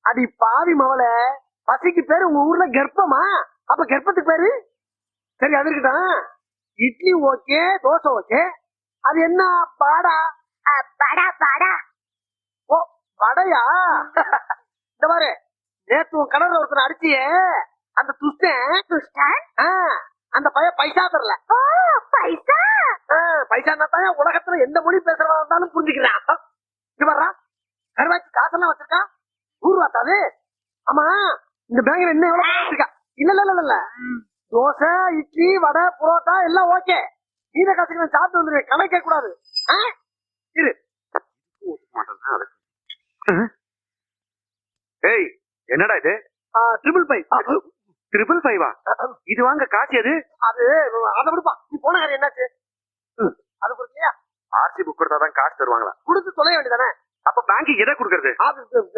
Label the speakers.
Speaker 1: அடி பாவி மவள, பசிக்கு பேரு உங்க ஊர்ல கர்ப்பமா? அப்ப கர்ப்பத்துக்கு பேரு? சரி அது இருக்கட்டும். Idli okay, dosa okay. அது என்ன பாடா?
Speaker 2: படா படா.
Speaker 1: ஓ வடையா? இந்த மாதிரி நேத்து உன் கடற்கரை ஒருத்தனை அடிச்சியே, அந்த துஷ்டன் அந்த பையன் பைசா தரல.
Speaker 2: ஓ பைசா.
Speaker 1: பைசா தான் உலகத்துல எந்த மொழி பேசுறதா இருந்தாலும் புரிஞ்சுக்கிறான். இங்க வர்றா, கருவாச்சி காசெல்லாம் வச்சிருக்கா, ஊர்வாத்தாது. ஆமா, இந்த பேங்க்ல என்ன எவ்வளவு வச்சிருக்கா? இல்ல தோசை, இட்லி, வடை, புரோட்டா எல்லாம் ஓகே. நீத காசுக்கு நான் சாப்பிட்டு வந்துருவேன், கணக்கே கூடாது. இரு.
Speaker 3: ஏய், என்னடா இது?
Speaker 1: 555.
Speaker 3: 555 இது வாங்க காசு எது?
Speaker 1: அது அதை விடுப்பா, நீ போன காரியம் என்னாச்சு? அது கொடுக்கலையா?
Speaker 3: ஆர்சி புக் கொடுத்தாதான் காசு தருவாங்களா?
Speaker 1: கொடுத்து தொலைய வேண்டியதானே.
Speaker 3: அப்ப பேங்க்கு எதை கொடுக்கறது?